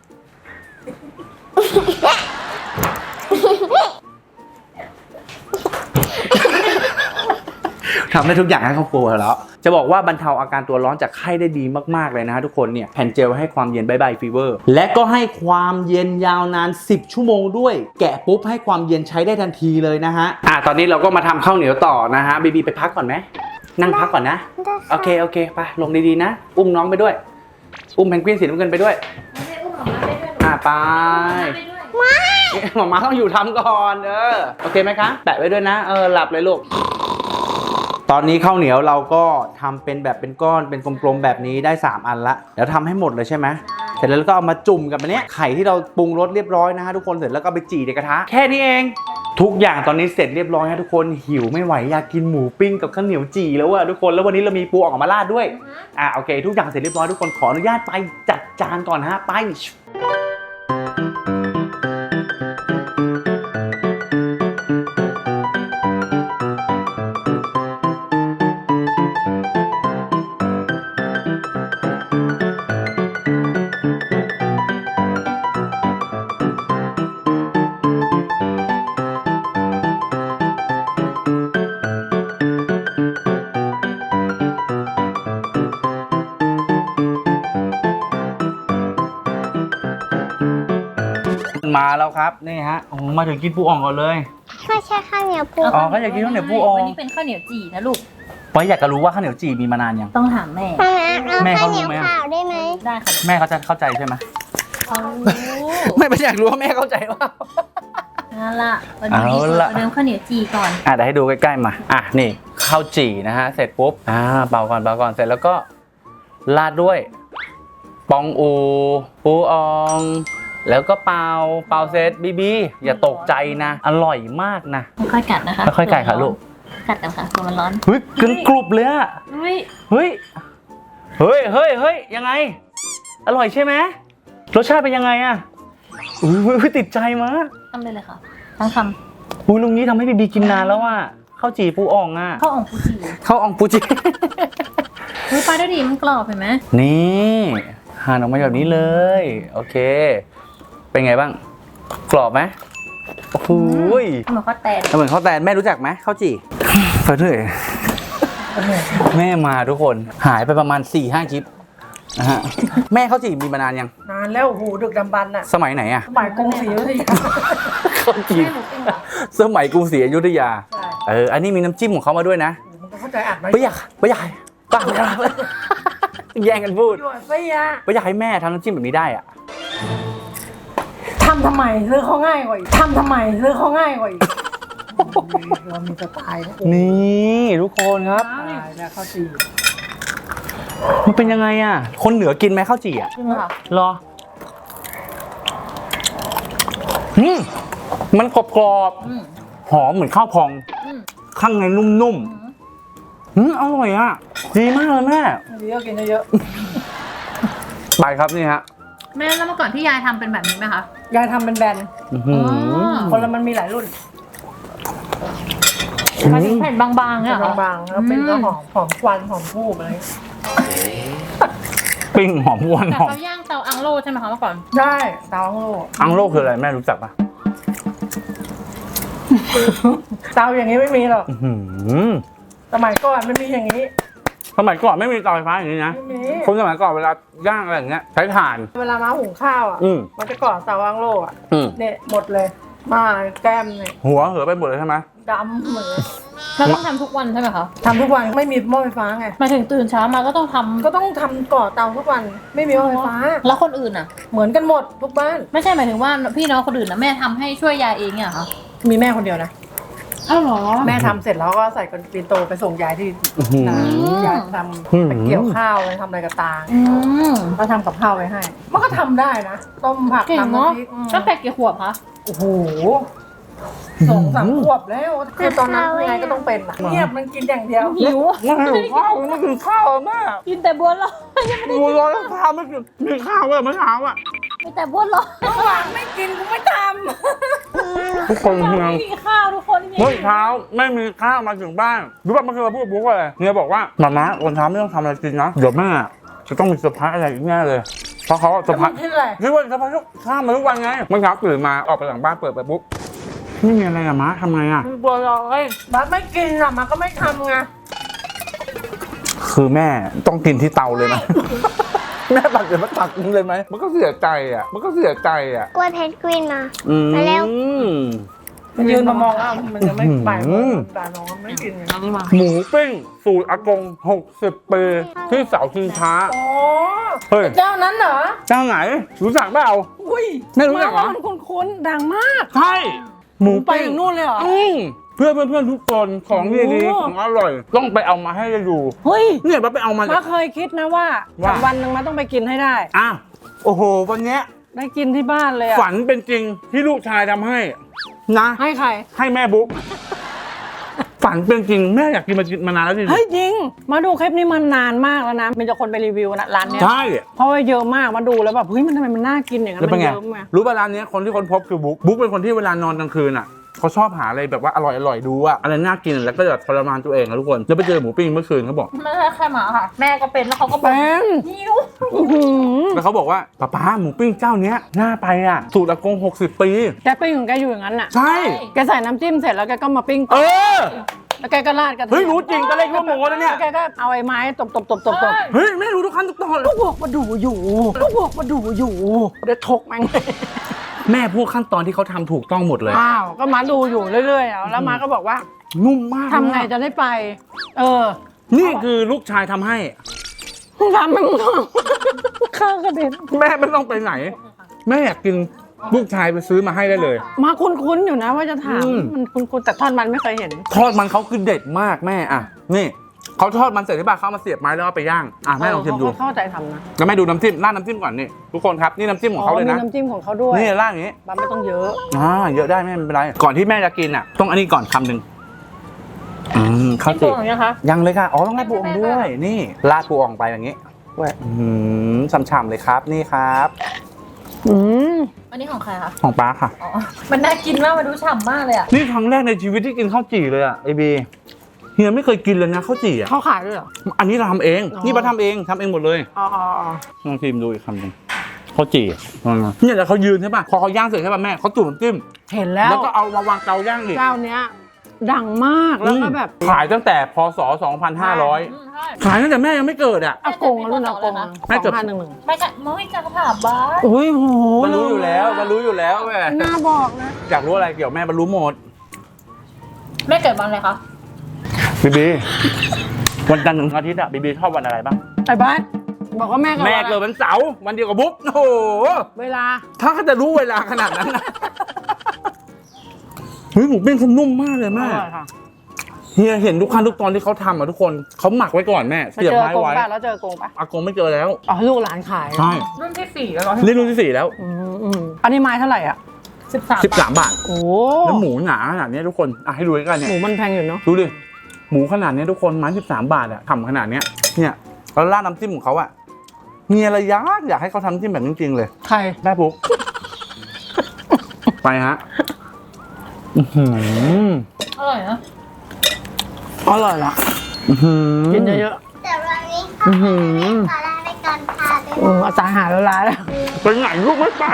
Speaker 1: ทำได้ทุกอย่างให้ครอบครัวแล้ว จะบอกว่าบรรเทาอาการตัวร้อนจากไข้ได้ดีมากๆเลยนะฮะทุกคนเนี่ยแผ่นเจลให้ความเย็นบายบายฟีเวอร์และก็ให้ความเย็นยาวนาน10 ชั่วโมงด้วย แกะปุ๊บให้ความเย็นใช้ได้ทันทีเลยนะฮะตอนนี้เราก็มาทำข้าวเหนียวต่อนะฮะบีบีไปพักก่อนไหมนั่งพักก่อนนะโอเคไปลงดีๆนะอุ้มน้องไปด้วยอุ้มเพนกวินสีน้ำเงินไปด้วย
Speaker 2: ไม่ได้อุ้มหมามาได้ด้วยหรอ
Speaker 1: ไป
Speaker 2: ไปด้วย
Speaker 1: หมอมาต้องอยู่ทำก่อนโอเคไหมคะแปะไว้ด้วยนะหลับเลยลูกตอนนี้ข้าวเหนียวเราก็ทำเป็นแบบเป็นก้อนเป็นกลมๆแบบนี้ได้3อันละเดี๋ยวทำให้หมดเลยใช่ไหมเสร็จแล้วก็เอามาจุ่มกับอันเนี้ยไข่ที่เราปรุงรสเรียบร้อยนะฮะทุกคนเสร็จแล้วก็ไปจี่ในกระทะแค่นี้เองทุกอย่างตอนนี้เสร็จเรียบร้อยฮะทุกคนหิวไม่ไหวอยากกินหมูปิ้งกับข้าวเหนียวจี่แล้วอะทุกคนแล้ววันนี้เรามีปูออกมาราดด้วยโอเคทุกอย่างเสร็จเรียบร้อยทุกคนขออนุญาตไปจัดจานก่อนฮะไปมาแล้วครับนี่ฮะมาถึงกินปูอ่องก่อนเลย
Speaker 6: ไม่ใช่ข้าวเหนียวปู
Speaker 1: อ๋อก็อยากกินข้าวเหนียวปูอ่อง
Speaker 2: วันนี้เป็นข้าวเหนียวจี่นะลูก
Speaker 1: เพราะอยากจะรู้ว่าข้าวเหนียวจี่มีมานานยัง
Speaker 2: ต้องถามแม่
Speaker 6: แม่เอา
Speaker 1: แม่
Speaker 6: ข้า
Speaker 1: เขา
Speaker 6: วเห
Speaker 1: รู้
Speaker 6: นียว
Speaker 1: ไหมอะ
Speaker 6: ขาวได้ไหม
Speaker 2: ได้ค่ะ
Speaker 1: แม่เขาจะเข้าใจใช่ไหม
Speaker 2: เขารู้
Speaker 1: ไม่อยากรู้ว่าแม่เข้าใจว่า
Speaker 2: นั่นละวันนี้
Speaker 1: เอาล่ะ
Speaker 2: เริ่มข้าวเหนียวจี่ก่อน
Speaker 1: เดี๋ยวให้ดูใกล้ๆมานี่ข้าวจี่นะฮะเสร็จปุ๊บเป่าก่อนเสร็จแล้วก็ราดด้วยปองอูปูอองแล้วก็เป่าเสร็จบีอย่าตกใจนะอร่อยมากนะ
Speaker 2: ค่อยๆกัดนะคะ
Speaker 1: ค่อยๆกัดค่ะลูก
Speaker 2: กัดกันค่ะตัวมันร้อน
Speaker 1: เฮ้ยกรุบเลยอะ
Speaker 2: อุ้ย
Speaker 1: เฮ้ยยังไงอร่อยใช่ไหมรสชาติเป็นยังไงอะอุ้ยติดใจมาก
Speaker 2: ทำเลยเลยค่ะทั้งค
Speaker 1: ลุงนี้ทำให้บีกินนานแล้วอะข้าวจี่ปูอ่องอะ
Speaker 2: ำข้าวอ่องปูจี่
Speaker 1: ข้าวอ่องปูจี
Speaker 2: อุ้ยปลาด้วยดีมันกรอบเห็นไหม
Speaker 1: นี่หั่นออกมาแบบนี้เลยโอเคเป็นไงบ้างกรอบไหมโอ้โห
Speaker 2: เหมือนข้าวแตน
Speaker 1: เหมือนข้าวแตนแม่รู้จักไหมข้าวจี่เฟิร์สเลยแม่มาทุกคนหายไปประมาณ 4-5 คลิปนะฮะแม่ข้าวจี่มีมานานยัง
Speaker 4: นานแล้วโอ้โหดึกดำบรรพ์น่ะ
Speaker 1: สมัยไหนอะ
Speaker 4: สมัยกรุงศรีอยุธยา
Speaker 1: ข้าวจี่สมัยกรุงศรีอยุธยา
Speaker 4: ใช่
Speaker 1: อันนี้มีน้ำจิ้มของเขามาด้วยนะ
Speaker 4: มันก็เข้าใจอัดไหม
Speaker 1: ไม่อยากแย่งกันพูด
Speaker 4: หยวนไม่ยะ
Speaker 1: ไม่อยากให้แม่ทำน้ำจิ้มแบบนี้ได้อะ
Speaker 4: ทำทำไมซื้อเขาง่ายกว่าอีกทำทำไมซื้อเขาง่ายกว่าอีกเรามีสไตล์นะ
Speaker 1: นี่ทุกคนครับ
Speaker 4: ตายแล้วข้าวจี่
Speaker 1: มันเป็นยังไงอ่ะคนเหนือกินไหมข้าวจี่อ่ะ
Speaker 2: จริงค่ะ
Speaker 1: รอมันกรอบ
Speaker 2: อืม
Speaker 1: ๆหอมเหมือนข้าวพอง
Speaker 2: อืม
Speaker 1: ข้างในนุ่มๆอร่อยอ่ะดีมากเลยแม่
Speaker 4: ดีก็กินเยอะ
Speaker 1: ไปครับนี่ฮะ
Speaker 2: แม่แล้วเมื่อก่อนที่ยายทำเป็นแบบนี้ไหมคะ
Speaker 4: ๆยายทำเป็นแบรนด์
Speaker 1: อื้อหือ
Speaker 4: คนละมันมีหลายรุ่น
Speaker 2: มาถึงแผ่นบางๆเนี่ยเหรอบ
Speaker 4: างๆแล้วเป็นก็หอมควันหอมทูบอะไร
Speaker 1: ปิ้งหอมหวาน
Speaker 2: แต่
Speaker 1: หอม
Speaker 2: เขาย่างเตาอังโลใช่ไหมคะเมื่อก่อน
Speaker 4: ได้เตาอังโล
Speaker 1: อังโลคืออะไรแม่รู้จักปะ
Speaker 4: เตาอย่างนี้ไม่มีหรอก
Speaker 1: อื้อหือ
Speaker 4: สมัยก่อนมันมีอย่างนี้
Speaker 1: สมัยก่อนไม่มีเตาไฟฟ้าอย่างนี้นะ
Speaker 4: ไม่มี
Speaker 1: คนสมัยก่อนเวลาย่างอะไรอย่างเงี้ยใช้ถ่าน
Speaker 4: เวลามาหุงข้าวอ่ะ
Speaker 1: อืม
Speaker 4: มันจะก่อนเตาอังโลอ่ะ
Speaker 1: อืม
Speaker 4: เนี่ยหมดเลย มาแก้มเนี่ย
Speaker 1: หัวเหอไปหมดเลยใช่ไหม
Speaker 4: ดำเหมือน
Speaker 2: เราต้องทำทุกวันใช่ไหมคะ
Speaker 4: ทำทุกวันไม่มีหม้อไฟฟ้าไง
Speaker 2: มาถึงตื่นเช้ามาก็ต้องทำ
Speaker 4: ก็ต้องทำก่อเตาทุกวัน ไม่มีหม้อไฟฟ้า
Speaker 2: แล้วคนอื่นอ่ะ
Speaker 4: เหมือนกันหมดทุกบ้าน
Speaker 2: ไม่ใช่หมายถึงว่าพี่น้องคนอื่นนะแม่ทำให้ช่วยยายเองเนี่ยเหรอคะ
Speaker 4: มีแม่คนเดียวนะ
Speaker 2: อ้าวเหรอ
Speaker 4: แม่ทำเสร็จแล้วก็ใส่กระปินโตไปส่งยายที่
Speaker 1: อื้อหือ
Speaker 4: นา
Speaker 2: ม
Speaker 4: ยายท
Speaker 1: อืม
Speaker 4: ำไปเกี่ยวข้าวไปทำอะไรกับตา
Speaker 2: อืม
Speaker 4: ก็ทำกับข้าวไว้ให้ มันก็ทำได้นะ ต้มผัก
Speaker 2: เก่ง
Speaker 4: ทำ
Speaker 2: เนาะ
Speaker 4: น้ำพริก
Speaker 2: ตั้งแต่กี่ขวบคะ
Speaker 4: โอ้โห2-3 ขวบแล้วคือตอนนั้นยังไงก็ต้องเป็นอะเงียบมันกินอย่างเดียว
Speaker 2: หิว
Speaker 1: ไม่หิวข้าวไม่กินข้าวแม่
Speaker 2: กินแต่บัวลอย
Speaker 1: ดูร้อนข้าวไม่กินมีข้าวเลยเมื่อเช้าอ่ะ
Speaker 2: มีแต่บ้วนร้อน
Speaker 4: หวานไม่กินกูไม่ท
Speaker 1: ทุกคนเฮีย
Speaker 2: ไม่มีข้าวทุกคนจริง
Speaker 1: เมื่อเช้าไม่มีข้าวมาถึงบ้านรู้ป่ะเมื่อคืนเราพูดกับบุ๊กว่าอะไรเฮียบอกว่าหม่าวันเช้าไม่ต้องทำอะไรกินนะเดี๋ยวแม่จะต้องมีเซอร์ไพรส์อะไรอีกแน่เลยเพราะเขาเซอร์ไพรส์
Speaker 4: ำที่อะไร
Speaker 1: คิดว่าเซอร์ไพรส์ข้ามมาทุกวันไงเมื่อเช้าตื่นมาออกไปหลังบ้านเปิดไปปุ๊บไม่มีอะไรอะม้าทำไงอะ
Speaker 4: มันบัวลอยบัสไม่กินอ่ะมันก็ไม่ทำไง
Speaker 1: คือแม่ต้องกินที่เตาเลยนะ แม่ตักเดี๋ยวมาตักกินเลยไหมมันก็เสียใจอะมันก็เสียใจอะ
Speaker 6: กล้วยเพนกวินมา
Speaker 1: อืม
Speaker 6: มาเร็ว
Speaker 4: มันยืนมามองแล้วมันจะไม่ไปแต่น้องมันไม่กินไง
Speaker 2: ๆนี่มา
Speaker 1: หมูปิ้งสูตรอากง60 ปีที่เสาชิงช้า
Speaker 4: อ๋อ
Speaker 1: เฮ้ย
Speaker 4: เจ้านั้นเหรอ
Speaker 1: เจ้าไหนรู้จักเปล่า
Speaker 4: อุ้ย
Speaker 1: ไม่รู้จักเหรอ
Speaker 4: มันคุ้นๆดังมาก
Speaker 1: ใช่หมู
Speaker 4: ไป
Speaker 1: ปิ้ง
Speaker 4: ถึงนู่นเลยเหรอ
Speaker 1: เพื่อนทุกคนของดีๆของอร่อย ต้องไปเอามาให้ได้ดู
Speaker 4: เฮ้ย
Speaker 1: เนี่ยมาไปเอามา
Speaker 4: มาเคยคิดนะว่า
Speaker 1: ว่า
Speaker 4: วันหนึ่งมาต้องไปกินให้ได้
Speaker 1: อ่ะโอ้โหวันเนี้ย
Speaker 4: ได้กินที่บ้านเลยอะ
Speaker 1: ฝันเป็นจริงที่ลูกชายทำให้นะ
Speaker 4: ให้ใคร
Speaker 1: ให้แม่บุ๊กฝันเป็นจริงแม่อยากกินมานานแล้วจริง
Speaker 4: เฮ้ยจริง มาดูคลิปนี้มันนานมากแล้วนะมีแต่คนไปรีวิวนะร้านเนี้ย
Speaker 1: ใช่
Speaker 4: เพราะว่าเยอะมากมาดูแล้วแบบเฮ้ยมันทำไมมันน่ากินอย่างนั้น
Speaker 1: แล้ว
Speaker 4: มั
Speaker 1: เป็น
Speaker 4: น
Speaker 1: ไง
Speaker 4: เยอะไง
Speaker 1: รู้ป่ะร้านเนี้ยคนที่ค้นพบคือบุ๊กเป็นคนที่เวลานอนกลางคืนอ่ะเขาชอบหาอะไรแบบว่าอร่อยดูอะอะไรน่ากินแล้วก็แบบทรมานตัวเองนะทุกคนแล้วไปเจอหมูปิ้งเมื่อคืนเขาบอก
Speaker 2: ไม่ใช่แค่หมาค่ะ แม่ก็เป็นแล้วเขาก็บอก
Speaker 4: เป็น
Speaker 2: หิว
Speaker 4: อื้อหือ
Speaker 1: แล้วเขาบอกว่าป้าหมูปิ้งเจ้าเนี้ยน่าไปอ่ะสูตรอากง60 ปี
Speaker 4: แกปิ้งของแกอยู่อย่างนั้นน่ะ
Speaker 1: ใช่
Speaker 4: แกใส่น้ำจิ้มเสร็จแล้วแกก็มาปิ้ง
Speaker 1: เอ
Speaker 4: ต่อ
Speaker 1: อ
Speaker 4: แล้วแกก็ราดกระเทียม
Speaker 1: เฮ้ยรู้จริงตอนแรกคิดว่าโม้นะเนี่ย
Speaker 4: แกก็เอาไอ้ไม้ตบ
Speaker 1: เฮ้ยไม่รู้ทุกขั้นทุกตอนเลย
Speaker 4: ก็บอกมาดูอยู่ก็บอกมาดูอยู่เดี๋ยวทกแม่งเลย
Speaker 1: แม่พูดขั้นตอนที่เขาทำถูกต้องหมดเลย
Speaker 4: อ้าวก็มาดูอยู่เรื่อยๆอ่ะแล้วมาก็บอกว่า
Speaker 1: นุ่มมาก
Speaker 4: ทำไงจะได้ไป เออ
Speaker 1: นี่คือลูกชายทำให้
Speaker 4: มึงทำไม่มึงทำข้าวกระเด็น
Speaker 1: แม่ไม่ต้องไปไหน แม่อยากกินลูกชายไปซื้อมาให้ได้เลย
Speaker 4: มาคุ้นๆอยู่นะว่าจะถาม
Speaker 1: อืม
Speaker 4: มันคุ้นๆแต่ทอดมันไม่เคยเห็น
Speaker 1: ทอดมันเขาคือเด็ดมากแม่อ่ะนี่เขาทอดมันเสร็จที่บ้านเขาเอามาเสียบไม้แล้วเอาไปย่างอ่ะแม่ลองชิมดู
Speaker 4: เขาเข้าใจทำนะ
Speaker 1: แล้วแม่ดูน้ำจิ้มราดน้ำจิ้มก่อนนี่ทุกคนครับนี่น้ำจิ้มของเขาเลย
Speaker 4: มี
Speaker 1: นะ
Speaker 4: น้ำจิ้มของเขาด้วย
Speaker 1: นี่ราดอย่างนี้
Speaker 4: บ้าไม่ต้องเยอะ
Speaker 1: เยอะได้ไม่เป็นไรก่อนที่แม่จะกินอ่ะต้องอันนี้ก่อนคำหนึ่งข้าว
Speaker 2: ตั
Speaker 1: จี
Speaker 2: วอย่างเงี้ยคะ
Speaker 1: ยังเลยค่ะอ๋อต้องราดปูอ่องด้วยนี่ราดปูอ่องไปอย่างนี้ฉ่ำๆเลยครับนี่ครับ
Speaker 4: อืม
Speaker 2: อันนี้ของใครคะ
Speaker 1: ของป้าค่ะ
Speaker 2: อ๋อ มันน่ากินมากมันดูฉ่ำมากเลยอ่ะ
Speaker 1: นี่ครั้งแรกในชีวิตที่กินข้าวจี่เลยอ่ะไอบีเฮียไม่เคยกินเลยนะข้าวจี่อ่ะ
Speaker 4: เขาขายด้วยเหรอ
Speaker 1: อันนี้เราทำเอง
Speaker 4: อ๋อ
Speaker 1: นี่ป้าทำเองหมดเลย
Speaker 4: อ๋อ
Speaker 1: ลองชิมดูอีกคำหนึ่งข้าวจี่เนี่ยแล้วเขายืนใช่ป่ะพอเขาย่างเสร็จใช่ป่ะแม่เขาจุ่มน้ำจิ้ม
Speaker 4: เห็นแล้ว
Speaker 1: แล้วก็เอามาวางเตาย่างอีก
Speaker 4: เจ้าเนี้ย ดังมากแล้วก็แบบ
Speaker 1: ขายตั้งแต่พศ 2500
Speaker 2: ใช่
Speaker 1: ขายตั้งแต่แม่ยังไม่เกิดอ่ะ
Speaker 4: อากงรุ่นอากง
Speaker 1: แม่เกือบ
Speaker 4: 2511
Speaker 2: ไม่ใช่ไม่จะถามบ้าน
Speaker 4: อุ้ยโห
Speaker 1: มันรู้อยู่แล้วแม่
Speaker 4: น่าบอกนะ
Speaker 1: อยากรู้อะไรเกี่ยวแม่มันรู้หมด
Speaker 2: แม่เกิดวันอะไรคะ
Speaker 1: บีวันจันทร์ถึงอาทิตย์อะบีชอบวันอะไรบ้าง
Speaker 4: ไอ้บ้านบอกว่าแม่
Speaker 1: แม่เกิดวันเสาร์วันเดียวกับบุ๊กโอ้โห
Speaker 4: เวลา
Speaker 1: ถ้าเขาจะรู้เวลาขนาดนั้นนะเฮ้ยหมูปิ้งเขานุ่มมากเลย
Speaker 4: อ
Speaker 1: แม่
Speaker 4: ร่อยค่ะ
Speaker 1: เฮียเห็นทุกขั้นทุกตอนที่เขาทำอะทุกคนเขาหมักไว้ก่อนแม่
Speaker 4: ไป
Speaker 1: เสียบ
Speaker 4: เจอ
Speaker 1: ไม้
Speaker 4: กง
Speaker 1: ไว้
Speaker 4: ป่ะแล้วเจอกงป่ะ
Speaker 1: อากงไม่เจอแล้ว
Speaker 4: อ๋อลูกหลานขาย
Speaker 1: ใช่
Speaker 2: รุ่นที่สี่แล้วเหรอ
Speaker 1: นี่รุ่นที่ 4 แล้ว
Speaker 4: อันนี้ไม้เท่าไหร่อ่ะ
Speaker 1: 13 บาท
Speaker 4: โอ้
Speaker 1: แล้วหมูหนาขนาดนี้ทุกคนอ่ะให้ดูกันเนี่
Speaker 4: ห
Speaker 1: ย
Speaker 4: มูมันแพงอยู่เนาะ
Speaker 1: ดูดิหมูขนาดนี้ทุกคนไม้13 บาทอะทำขนาดเนี้ยเนี่ยแล้วราดน้ำจิ้มของเขาอะมีอะไรอยากให้เขาทำจิ้มแบบจริงๆเลย
Speaker 4: ใคร
Speaker 1: แม่ปุ๊ก ไปฮะอื้อหือ
Speaker 2: อร่อยนะ
Speaker 4: อร่อยละ
Speaker 1: อื้อหือ
Speaker 4: กินเยอะ
Speaker 6: แต่วันนี้ค่ะขอลาไปก่อนค่ะ
Speaker 4: ๆอาจารย์หาแล้วร้านแล้ว
Speaker 1: ไปไหนลูกไม่ไป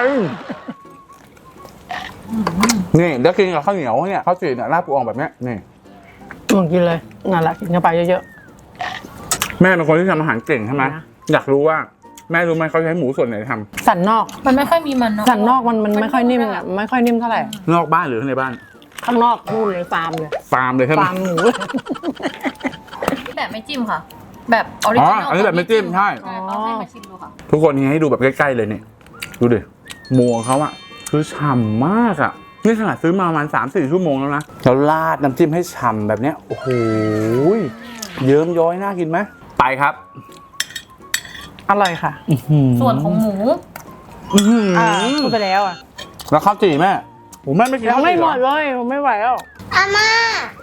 Speaker 1: นี่แล้วกินกับข้าวเหนียวเนี่ยข้าวจี่เนี่ยราดปูอ่องแบบเนี้ยนี่
Speaker 4: มึงกินเลยนั่นแหละกินเข้าไปเยอะ
Speaker 1: แม่เป็นคนที่ทำอาหารเก่งใช่ไหม
Speaker 4: นะ
Speaker 1: อยากรู้ว่าแม่รู้ไหมเขาใช้หมูส่วนไหนท
Speaker 4: ๆสันนอก
Speaker 2: มันไม่ค่อยมีมันเนาะ
Speaker 4: สันนอกมันไม่ค่อยนิ่มอ่ะไม่ค่อยนิ่มเท่าไหร่
Speaker 1: ำนอกบ้านหรือในบ้าน
Speaker 4: ข้างนอกนู่นเลยฟาร์มเลย
Speaker 1: ฟาร์มเลยใช่ไหม
Speaker 4: ฟาร์มหมู
Speaker 2: แบบไม่จิ้มค่ะ แบบออริจินอล
Speaker 1: อันนี้แบบไม่จิ้มใช่
Speaker 2: เขาให้มาชิมดูค่ะ
Speaker 1: ทุกคนนี้ให้ดูแบบใกล้ๆเลยเนี่ยดูดิหมูของเขาอะคือฉ่ำมากอะนี่ขนาดซื้อมาประมาณ 3-4 ชั่วโมงแล้วนะแล้วราดน้ำจิ้มให้ฉ่ำแบบเนี้ยโอ้โหเยิ้มย้อยน่ากินไหมไปครับ
Speaker 4: อร่อยค่ะ
Speaker 2: ส่วนของหมู
Speaker 4: พูดไปแล้วอ่ะ
Speaker 1: แล้วข้าวจี่แม่โอ้แม่ไม่กิน
Speaker 4: ยัง
Speaker 1: ข้าว
Speaker 4: ไม่
Speaker 1: จี่
Speaker 4: ห
Speaker 1: เห
Speaker 4: ม
Speaker 1: รอ
Speaker 4: ดเลยผมไม่ไหวแล้ว
Speaker 6: อาม่า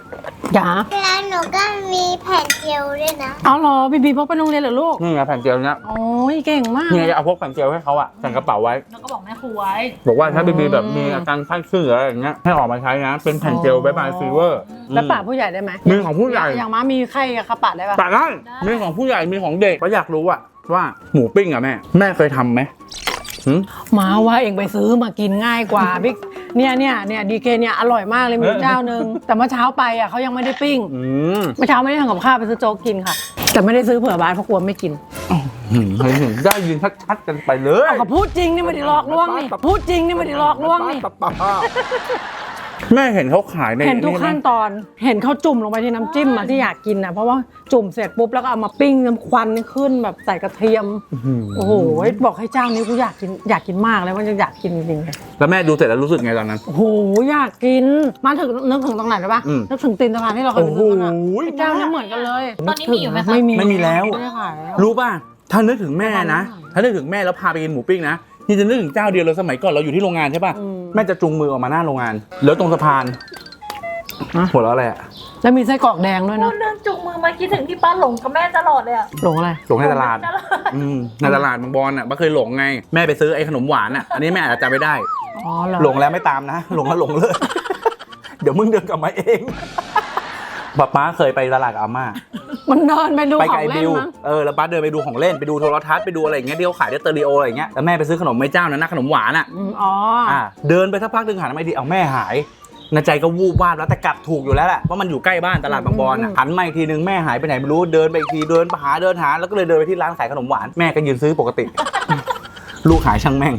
Speaker 5: จ๋า
Speaker 6: แล้วหนูก็มีแผ่นเจลด้วยนะ
Speaker 5: เอาเหรอบีบีพกไปโรงเรียนเหรอลูก
Speaker 3: นี่ไงแผ่นเจลเนี้ย
Speaker 5: โอ้ยเก่งมาก
Speaker 3: นี่ไงจะเอาพกแผ่นเจลให้เขาอะใส่กระเป๋าไว้
Speaker 2: แล้วก็บอกแม่ครูไว้
Speaker 3: บอกว่าถ้าบีบีแบบมีอาการไข้ขึ้นหรืออะไรอย่างเงี้ยให้ออกมาใช้นะเป็นแผ่นเจลบายบายฟีเวอร์
Speaker 5: แล้วป่าผู้ใหญ่ได้ไหม
Speaker 3: มีของผู้ใหญ่
Speaker 5: อย่างม้ามีไข้กับข้าป่าได้ปะ
Speaker 3: แต่ได้มีของผู้ใหญ่มีของเด็กก็อยากรู้อะว่าหมูปิ้งอะแม่เคยทำไหม
Speaker 5: ม้าว่าเองไปซื้อมากินง่ายกว่าบิ๊กเนี่ยดีเคเนี่ยอร่อยมากเลยมีอยู่เจ้านึงแต่เมื่อเช้าไปอ่ะเขายังไม่ได้ปิ้ง เมื่อเช้าไม่ได้ทำกับข้าวไปซื้อโจ๊กกินค่ะ แต่ไม่ได้ซื้อเผื่อบ้านเพราะกลัวไม่กิน
Speaker 3: ได้ยินชัดๆกันไปเลย
Speaker 5: เอาก็พูดจริงนี่ไม่ได้หลอกลวงนี่พูดจริงนี่ไม่ได้หลอกลวงนี่
Speaker 3: แม่เห็นเขาขายใน
Speaker 5: เห็นทุกขั้นตอนเห็นเขาจุ่มลงไปที่น้ำจิ้มอะที่อยากกินนะเพราะว่าจุ่มเสร็จปุ๊บแล้วก็เอามาปิ้งน้ำควันนี่ขึ้นแบบใส่กระเทียมโอ้โหบอกให้เจ้านี้กูอยากกินมากเลยว่าจะอยากกินจริงๆ
Speaker 3: แล้วแม่ดูเสร็จแล้วรู้สึกไงตอนนั้น
Speaker 5: โอ้โหอยากกินมาถึงนึกถึงตรงไหนได้ปะนึกถึงตีนสะพานที่เราเคยไปซื้อกันอะไอ้เจ้าเนี่ยเหมือนกันเลย
Speaker 2: ตอนนี้มีอยู่ไหมคะ
Speaker 3: ไม่มีแล้ว
Speaker 5: ไม่ได้ขายแล้ว
Speaker 3: รู้ป่ะถ้านึกถึงแม่นะถ้านึกถึงแม่แล้วพาไปกินหมูปิ้งนะนี่จะนึกถึงเจ้าเดียวเลยสมัยก่อนเราอยู่ที่โรงงานใช่ป่ะแม่จะจูงมือออกมาหน้าโรงงานแล้วตรงสะพานหัวเราะอะไรอะ
Speaker 5: แล้วมีไส้กรอกแดงด้วย
Speaker 2: พู
Speaker 5: นะ
Speaker 2: ดเรื่องจุงมือมาคิดถึงที่ป้าหลงกับแม่ตลอดเลยอะ
Speaker 5: หลงอะไร
Speaker 3: หลงในตลาดในตลาดบางบอนอ่ะป้าเคยหลงไงแม่ไปซื้อไอ้ขนมหวานอ่ะอันนี้แม่อาจจะจำไม่ได้
Speaker 5: อ๋อเหรอ
Speaker 3: หลงแล้วไม่ตามนะหลงแล้วหลงเลย เดี๋ยวมึงเดินกลับมาเองป้าเคยไปตลาดกับอาม่า
Speaker 5: มันเดินไปดู
Speaker 3: ไป
Speaker 5: ข
Speaker 3: กับ
Speaker 5: อง
Speaker 3: ไอ้
Speaker 5: เล่
Speaker 3: บิ
Speaker 5: น
Speaker 3: ว
Speaker 5: มั้ง
Speaker 3: แล้วป้าเดินไปดูของเล่นไปดูโทรทัศน์ไปดูอะไรอย่างเงี้ยที่เขาขายในสเตอริโออะไรอย่างเงี้ยแล้วแม่ไปซื้อขนมไม้เจ้านั้นนะขนมหวานอ่ะ
Speaker 5: อ๋อ
Speaker 3: เดินไปสักพักหนึ่งหันมาดีเอาแม่หายในใจก็วูบวาบแล้วแต่กลับถูกอยู่แล้วแหละว่ามันอยู่ใกล้บ้านตลาดบางบอนหันมาอีกทีนึงแม่หายไปไหนไม่รู้เดินไปอีกทีเดินไปหาแล้วก็เลยเดินไปที่ร้านขายขนมหวานแม่ก็ยืนซื้อปกติ ลูกหายช่างแม่ง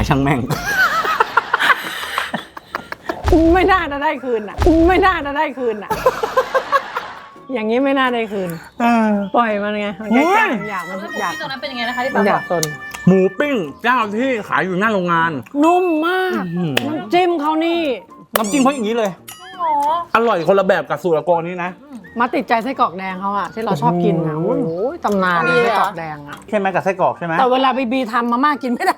Speaker 5: ไม่น่าจะได้คืนอ่ะไม่น่าจะได้คืนอ่ะอย่างนี้ไม่น่าได้คืนปล่อยมันไงมันแค่อยากมัน
Speaker 2: แล้วหมู
Speaker 5: อยาก
Speaker 2: ปิ้งตรงนั้นเป็นยังไงนะคะที่
Speaker 5: มั
Speaker 2: ป้าน
Speaker 5: อบ
Speaker 2: อย
Speaker 5: าก กสน
Speaker 3: หมูปิ้งเจ้าที่ขายอยู่หน้าโรงงาน
Speaker 5: นุ่มมากน้ำจิ้มเขานี่
Speaker 3: น้ำจิ้มเขาอย่างนี้เลย
Speaker 2: อ๋อ
Speaker 3: อร่อยคนละแบบกับสูตรอากรนี้นะ
Speaker 5: มาติดใจไส้กรอกแดงเขาอะที่เราชอบกินอะโอ้โหตำนานไส้กรอกแดงอะ
Speaker 3: ใช่ไหมกับไส้กรอกใช่ไหม
Speaker 5: แต่เวลาบีทำมาม่ากินไม่ได้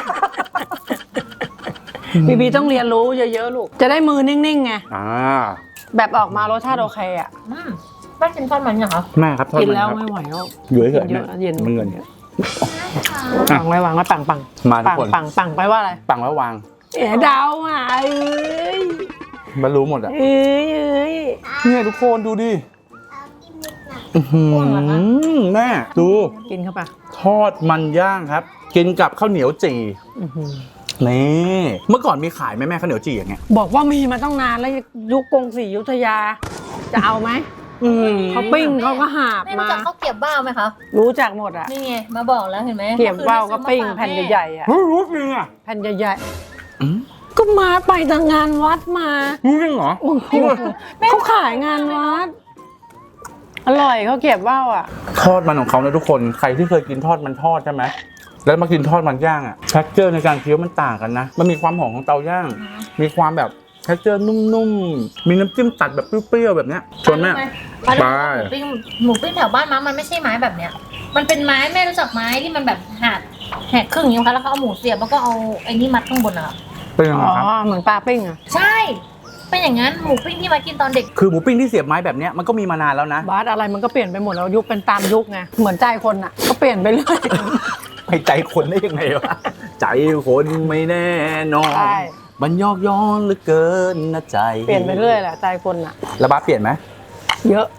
Speaker 5: บีต้องเรียนรู้เยอะๆลูกจะได้มือนิ่งๆไงแบบออกมารสชาติโอเคอะ
Speaker 2: ป้ากินทอดมันยังคะ
Speaker 3: แม่ครับทอด
Speaker 5: กิน
Speaker 3: มัน
Speaker 5: แล้ว
Speaker 3: ครับ
Speaker 5: ไม่ไหวแล้ว
Speaker 3: อยู่เฉยๆ
Speaker 5: เย
Speaker 3: แม่
Speaker 5: อะเย็น
Speaker 3: มันเงิน
Speaker 5: ปังไว้วางไว้ปัง
Speaker 3: มาทุกคน
Speaker 5: ปังไปว่าอะไร
Speaker 3: ปังแล้ววาง
Speaker 5: ดาวอ่ะเอ้ย
Speaker 3: มันรู้หมดอ่ะ
Speaker 5: เอ้ย
Speaker 3: เนี่ยทุกคนดูดิ
Speaker 6: เอากินนิดหน่อย
Speaker 3: แม่ดู
Speaker 5: กินเข้าไป
Speaker 3: ทอดมันย่างครับ กินกับข้าวเหนียวจี่นี่เมื่อก่อนมีขายไหมแม่ข้าวเหนียวจี่อย่างเงี้ย
Speaker 5: บอกว่ามีมาต้องนานแล้วยุคกรุงศรีอยุธยา จะเอาไหมเขาปิ้งเขาก็หาบ
Speaker 2: แม่
Speaker 5: มา
Speaker 2: รู้จักข้าวเกรี๊ยวบ้าวไหมคะ
Speaker 5: รู้จักหมดอ่ะ
Speaker 2: นี่ไงมาบอกแล้วเห็นไหม
Speaker 5: เกี๊ยวว่าวก็ปิ้งแผ่นใหญ่ๆอ่ะ
Speaker 3: รู้จริงอ่ะ
Speaker 5: แผ่นใหญ่ๆก็มาไปทางงานวัดมา
Speaker 3: รู้จริงเหรอ
Speaker 5: โอ้โหเขาขายงานวัด อร่อยเขาเก็บว่าวอ่ะ
Speaker 3: ทอดมันของเขานะทุกคนใครที่เคยกินทอดมันทอดใช่ไหมแล้วมากินทอดมันย่างอ่ะเท็กเจอร์ในการเคี้ยวมันต่างกันนะมันมีความหอมของเตาย่างมีความแบบเท็กเจอร์นุ่มๆมีน้ำจิ้มตัดแบบเปรี้ยวๆแบบเนี้ยชวนแม่
Speaker 2: ไปหมูปิ้งแถวบ้านม้ามันไม่ใช่ไม้แบบเนี้ยมันเป็นไม้แม่รู้จักไม้ที่มันแบบแหกครึ่งอย่างนี้ค่ะแล้วก็เอาหมูเสียบแล้วก็เอาไอ้นี่มัดข้างบนอ่ะ
Speaker 3: เป็นยังไง
Speaker 5: อ๋อ
Speaker 3: ครับ
Speaker 5: เหมือนปลาปิ้งอ่ะ
Speaker 2: ใช่ เป็นอย่างนั้นหมูปิ้งที่มากินตอนเด็ก
Speaker 3: คือหมูปิ้งที่เสียบไม้แบบเนี้ยมันก็มีมานานแล้วนะ
Speaker 5: บาสอะไรมันก็เปลี่ยนไปหมดแล้วยุคเป็นตามยุคไงเหมือนใจคนอ่ะ ก็เปลี่ยนไปเรื่อย
Speaker 3: ไปใจคนได้ยังไงวะ ใจคนไม่แน่นอน
Speaker 5: ใช่
Speaker 3: มันยอกย้อนเหลือเกินนะใจ
Speaker 5: เปลี่ยนไปเรื่อยแหละใจคนอ่ะ
Speaker 3: แล้วบ้าเปลี่ยนไหม
Speaker 5: เยอะ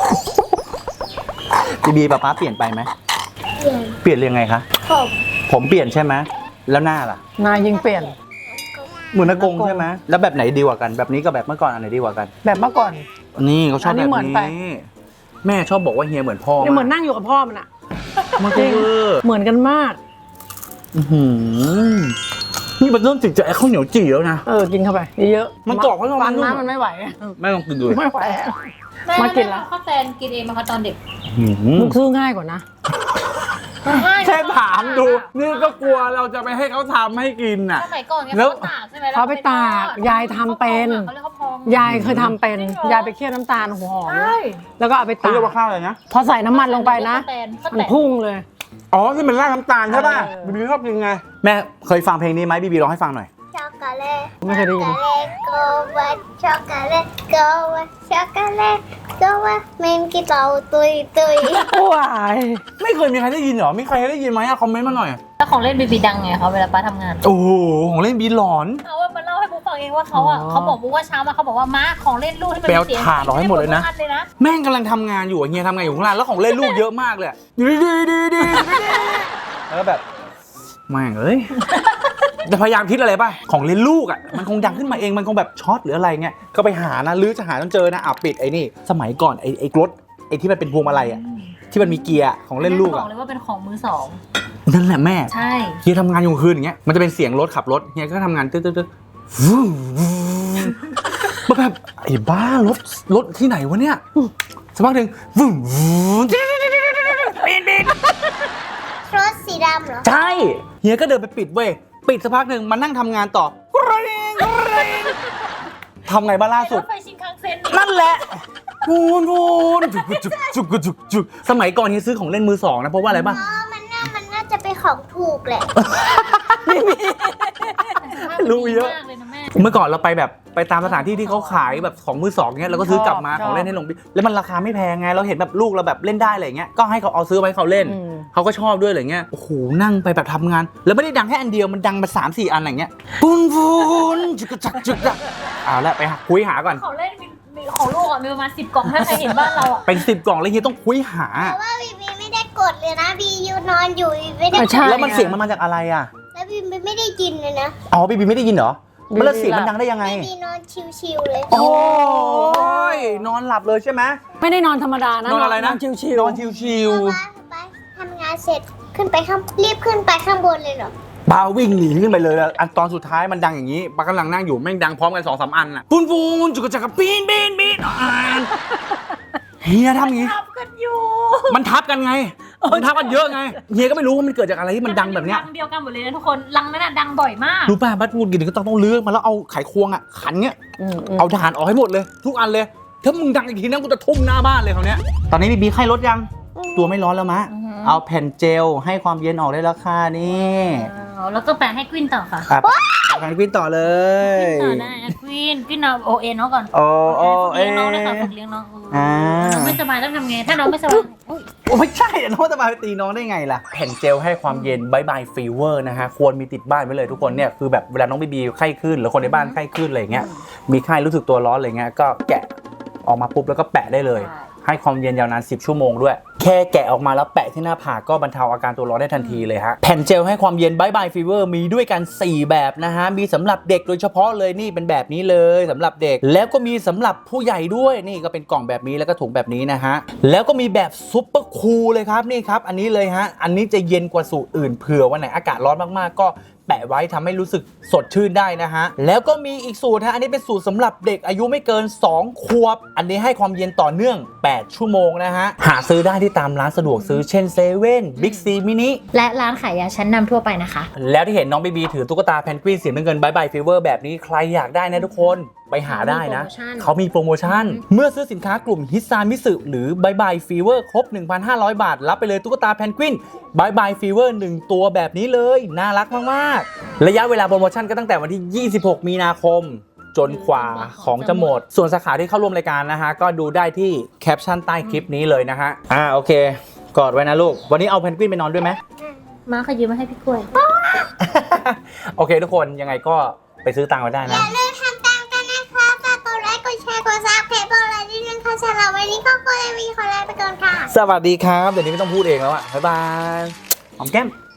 Speaker 3: บีป้าเปลี่ยนไปไหม
Speaker 6: เปลี่ยน
Speaker 3: เปลี่ยนยังไงคะ
Speaker 6: ผม
Speaker 3: ผมเปลี่ยนใช่ไหมแล้วหน้าล่ะ
Speaker 5: นายยิงเปลี่ยน
Speaker 3: เหมือนอากงใช่ไหมแล้วแบบไหนดีกว่ากันแบบนี้กับแบบเมื่อก่อนอันไหนดีกว่ากัน
Speaker 5: แบบเมื่อก่อน
Speaker 3: นี่เขาชอบ
Speaker 5: อันนี้
Speaker 3: แบบ
Speaker 5: เหมือนไป
Speaker 3: นี้แม่ชอบบอกว่าเฮียเหมือนพ่อ
Speaker 5: นี่เหมือนนั่งอยู่กับพ่อมันอ่ะ
Speaker 3: มัน
Speaker 5: จริง
Speaker 3: เวอร์
Speaker 5: เหมือนกันมาก
Speaker 3: อื้อหือนี่มันเริ่มติดใจไอ้ข้าวเหนียวจี่แล้วนะ
Speaker 5: กินเข้าไปเยอะๆ
Speaker 3: มันกรอบเพราะว่ามันนุ่ม
Speaker 5: ฟันมันไม่ไหว
Speaker 3: แม่ลองกินดูดิ
Speaker 5: ไม่ไหวอะ
Speaker 2: แม่
Speaker 5: มากินแล้ว
Speaker 2: ข้าวแตนกินเองมาคะตอนเด็ก
Speaker 3: อื้อหือ
Speaker 5: ลูกซื้อง่ายกว่านะ
Speaker 3: แค่ถามดู นี่ก็กลัวเราจะไปให้เขาทำให้กินน่ะ
Speaker 2: สมัยก่อนเนี่ย
Speaker 3: แล้ว
Speaker 2: เขาตากใช่ไหม
Speaker 5: เขาไปตากยายทำเป็น
Speaker 2: เขาเรียกข้าวพอง
Speaker 5: ยายเคยทำเป็นยายไปเคี่ยวน้ำตาลหัวหอม
Speaker 2: ใช่
Speaker 5: แล้วก็เอาไป
Speaker 3: เขา
Speaker 5: ตาก
Speaker 3: เรียกว่าข้าวอะไรนะ
Speaker 5: พอใส่น้ำมันลงไปนะ
Speaker 2: ข้าว
Speaker 5: มัน
Speaker 2: แตน
Speaker 5: พุ่งเลย
Speaker 3: อ๋อที่มันราดน้ำตาลใช่ป่ะ
Speaker 5: เออ
Speaker 3: บีบีชอบกินไงแม่เคยฟังเพลงนี้ไหมบีบีร้องให้ฟังหน่อย
Speaker 6: ช็อกโกแลต
Speaker 5: ไม่เคยได้ยิน
Speaker 6: go with chocolate go with chocolate go with เมนกี่เต่าตุย
Speaker 5: ว้าย
Speaker 3: ไม่เคยมีใครได้ยินเหรอมีใครได้ยินไหมอะคอมเมนต์มาหน่อย
Speaker 2: แล้วของเล่นบีบีดังไงเขาเวลาป้าทำงาน
Speaker 3: โอ้โหของเล่นบีหลอน
Speaker 2: เขาว่ามาเล่าให้บุ๊กฟังเองว่าเขาอ่ะเขาบอกบุ๊กว่าเช้ามาเขาบอกว่าม้าของเล่นลูกที่มัน
Speaker 3: ไปเอา
Speaker 2: มีเสียง
Speaker 3: ถ่านออกให้หมดเลยนะ
Speaker 2: ทุกอัเลยนะ
Speaker 3: แม่งกำลังทำงานอยู่อะเฮียทำงานอยู่ข้างล่างแล้วของเล่นลูกเยอะมากเลยอะดีแล้วแบบแม่งเอ้ยจะพยายามคิดอะไรป่ะของเล่นลูกอ่ะมันคงดังขึ้นมาเองมันคงแบบช็อตหรืออะไรเงี้ยก็ไปหานะลื้อจะหาจนเจอนะปิดไอ้นี่สมัยก่อนไอ้รถไอ้ที่มันเป็นพวงมาลัยอ่ะที่มันมีเกียร์ของเล่นลูก
Speaker 2: บอ
Speaker 3: อ่ะ
Speaker 2: กเลยว่าเป็นของมือสอง
Speaker 3: นั่นแหละแม่
Speaker 2: ใช่
Speaker 3: เฮียทำงานอยู่คืนอย่างเงี้ยมันจะเป็นเสียงรถขับรถเฮียก็ทำงานตึ๊ดวู้แบบไอ้บ้ารถที่ไหนวะเนี่ยสักพักหนึ่งวู้ปีน
Speaker 6: รถสีดำเหรอ
Speaker 3: ใช่เฮียก็เดินไปปิดเว้ยปิดสักพักหนึ่งมานั่งทำงานต่อกริ๊งทำไงบ้างล่าสุด
Speaker 2: รถไฟชินคังเซ็น
Speaker 3: นั่นแหละวูนจุกสมัยก่อนเฮียซื้อของเล่นมือสองนะเพราะว่าอะไรป่ะ
Speaker 6: อ๋อ มันน่าจะเป็นของถูกแหละ
Speaker 3: รู้เยอะ
Speaker 2: มากเลยนะแม่
Speaker 3: เมื่อก่อนเราไปแบบไปตามสถานที่ที่เขาขายแบบของมือสองเงี้ยเราก็ซื้อกลับมาของเล่นให้หลงแล้วมันราคาไม่แพงไงเราเห็นแบบลูกเราแบบเล่นได้อะไรเงี้ยก็ให้เขาเอาซื้อไว้เขาเล่นเขาก็ชอบด้วยอะไรเงี้ยโอ้โหนั่งไปแบบทำงาน แล้วไม่ได้ดังแค่อันเดียวมันดังมา3-4 อันอะไรเงี้ยปูนจุกจักเอาละไปคุยหาก่อน
Speaker 2: ของเล่นมีของลูกอ่ะมีประมาณ10 กล่องถ้าใครเห็นบ้านเราอ่ะ
Speaker 3: เป็น10 กล่องแล้วเฮียต้องคุยหา
Speaker 6: แต่ว่าบีบีไม่ได้กดเลยนะ บียูนอนอยู่บีไม่ได้กด
Speaker 5: ใช่
Speaker 3: แล้วมันเสียงมันมาจากอะไรอ่ะ
Speaker 6: แล้วบีไม่ได้ยินเลยนะ
Speaker 3: อ๋อบีไม่ได้ยินเหรอแล้วเสียงมันดังได้ยังไง
Speaker 6: บีนอนชิวๆเลย
Speaker 3: โอ้ยนอนหลับเลยใช่ไหม
Speaker 5: ไม่ได้นอนธรรมดานะ
Speaker 3: นอนอะไรนะ
Speaker 5: ชิว
Speaker 3: นอนชิว
Speaker 6: ไปทำงานเสร็จรีบขึ้นไปข้างบนเลยเหรอ
Speaker 3: ๆปาวิ่งหนีขึ้นไปเลยแล้วอันตอนสุดท้ายมันดังอย่างนี้ปากำลังนั่งอยู่แม่งดังพร้อมกัน2-3 อันอ่ะปูนจุกจักรปีนเฮียทำอย่างนี้
Speaker 2: ทับกันอยู่
Speaker 3: มันทับกันไงมันทับกันเยอะไงเฮียก็ไม่รู้ว่ามันเกิดจากอะไรที่มันดังแบบเนี้ย
Speaker 2: รังเดียวกันหมดเลยนะทุกคนรังนั้นน่ะดังบ่อยมาก
Speaker 3: รู้ป่ะบัดงูกินก็ต้องเลือกมาแล้วเอาไขควงอ่ะขันเงี้ย
Speaker 5: ๆ
Speaker 3: เอาถ่านออกให้หมดเลยทุกอันเลยถ้ามึงดังอีกทีนะกูจะทุ่มหน้าบ้านเลยคราวเนี้ยตอนนี้บีไข้ลดยังตัวไม่ร้อนแล้วมะเอาแผ่นเจลให้ความเย็นออกได้แล้วค่ะนี่
Speaker 2: แล้วก็แปะให้กวินต่อค่ะ
Speaker 3: แผ่นกวินต่อเลย
Speaker 2: ต่อได้กวินเอาโอเอ็นเขาก่อน
Speaker 3: โอ้โอ้
Speaker 2: ฝึกเลี้ยงน้องด้วยค่ะฝึกเลี้ยงน้องน้องไม่สบายต้องทำไงถ้าน้องไม่สบาย
Speaker 3: ไม่ใช่น้องจะมาตีน้องได้ไงล่ะแผ่นเจลให้ความเย็นบายบายฟีเวอร์นะฮะควรมีติดบ้านไว้เลยทุกคนเนี่ยคือแบบเวลาน้องบีไข้ขึ้นหรือคนในบ้านไข้ขึ้นอะไรเงี้ยมีไข้รู้สึกตัวร้อนอะไรเงี้ยก็แกะออกมาปุ๊บแล้วก็แปะได้เลยให้ความเย็นยาวนาน10 ชั่วโมงด้วยแค่แกะออกมาแล้วแปะที่หน้าผากก็บรรเทาอาการตัวร้อนได้ทันทีเลยฮะแผ่นเจลให้ความเย็นบายบายฟีเวอร์มีด้วยกัน4 แบบนะฮะมีสำหรับเด็กโดยเฉพาะเลยนี่เป็นแบบนี้เลยสำหรับเด็กแล้วก็มีสำหรับผู้ใหญ่ด้วยนี่ก็เป็นกล่องแบบนี้แล้วก็ถุงแบบนี้นะฮะแล้วก็มีแบบซุปเปอร์คูลเลยครับนี่ครับอันนี้เลยฮะอันนี้จะเย็นกว่าสูตรอื่นเผื่อวันไหนอากาศร้อนมากๆก็แปะไว้ทำให้รู้สึกสดชื่นได้นะฮะแล้วก็มีอีกสูตรฮะอันนี้เป็นสูตรสำหรับเด็กอายุไม่เกิน2 ขวบอันนี้ให้ความเย็นต่อเนื่อง8 ชั่วโมงนะฮะหาซื้อได้ที่ตามร้านสะดวกซื้อเช่นเซเว่นบิ๊กซีมินิ
Speaker 2: และร้านขายยาชั้นนำทั่วไปนะคะ
Speaker 3: แล้วที่เห็นน้องบีถือตุ๊กตาแพนกวินสีน้ำเงินบายบายฟีเวอร์แบบนี้ใครอยากได้นะทุกคนไปหาได้นะเขามีโปรโมชั่นเมื่อซื้อสินค้ากลุ่มฮิตซานมิสึหรือบายบายฟีเวอร์ครบ 1,500 บาทรับไปเลยตุ๊กตาแพนกวินบายบายฟีเวอร์1 ตัวแบบนี้เลยน่ารักมากๆระยะเวลาโปรโมชั่นก็ตั้งแต่วันที่ 26 มีนาคมจนกว่าของจะหมดส่วนสาขาที่เข้าร่วมรายการนะฮะก็ดูได้ที่แคปชั่นใต้คลิปนี้เลยนะฮะโอเคกอดไว้นะลูกวันนี้เอาแพนกวินไปนอนด้วยไหม
Speaker 2: มาขยืมมาให้พี่กล้วย
Speaker 3: โอเคทุกคนยังไงก็ไปซื้อตังค์ไว้ได้
Speaker 6: อ
Speaker 3: นะ
Speaker 6: ย่าลืมทำตามกันนะคะฝากกดไลค์กดแชร์กดซับเพจบอกอะไรนิดนึงค่ะสำหรับวันนี้ก็ควรจะมีขอลาไปก่อนค่ะ
Speaker 3: สวัสดีครับ เดี๋ยวนี้ไม่ต้องพูดเองแล้วอะบ๊ายบายหอมแก้ม